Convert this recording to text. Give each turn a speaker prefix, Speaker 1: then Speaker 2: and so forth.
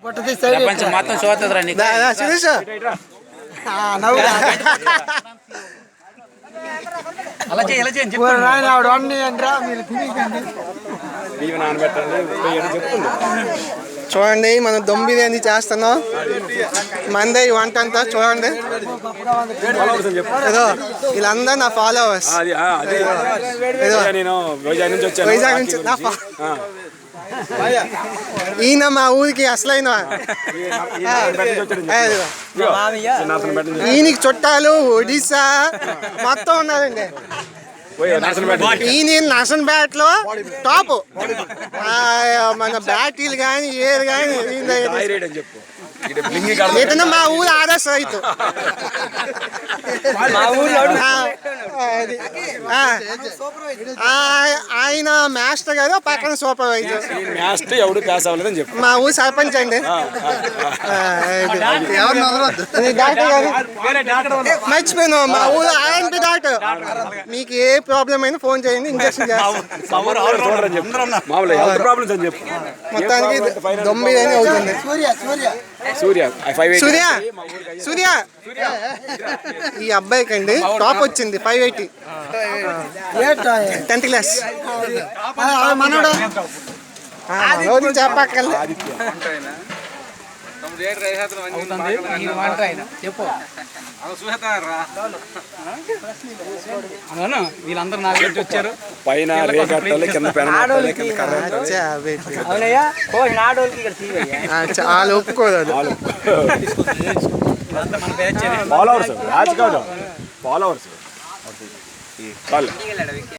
Speaker 1: ప్రపంచం మొత్తం చూస్తుందిరా నీకు.
Speaker 2: సురేష్
Speaker 1: అలా చేయి, ఇలా చేయి అని చెప్పు.
Speaker 2: చూడండి మనం దమ్ బిర్యానీ చేస్తున్నాం. మందే ఈ వంట అంతా చూడండి. ఏదో వీళ్ళందరూ నా ఫాలోవర్స్. వైజాగ్ నుంచి ఈయన మా ఊరికి అసలైన ఈయనకి చుట్టాలు ఒడిశా మొత్తం ఉన్నారండి. ఈయన నర్సన్పేట లో టాప్. మన బ్యాటీలు కానీ ఏరు కానీ ఏదైనా మా ఊరు ఆర్ఎస్ రైతు. ఆయన మాస్టర్ గారు పక్కన సూపర్వైజర్. మా ఊరు సర్పంచ్ అండి. డాక్టర్ గారు మర్చిపోయాను, మా ఊరు ఆర్ఎన్పి డాక్టర్. మీకు ఏ ప్రాబ్లం అయినా ఫోన్ చేయండి, ఇంజక్షన్ చేస్తాం. మొత్తానికి దమ్ బిర్యానీ అవుతుంది. సూర్య సూర్య ఈ అబ్బాయికి అండి టాప్ వచ్చింది 580 10th క్లాస్. మనోడు చెప్పక్కర్లే.
Speaker 1: వీళ్ళందరూ నా గురించి వచ్చారు.
Speaker 3: పైన
Speaker 2: వాళ్ళు ఒప్పుకోదు.
Speaker 3: ఫాలోవర్స్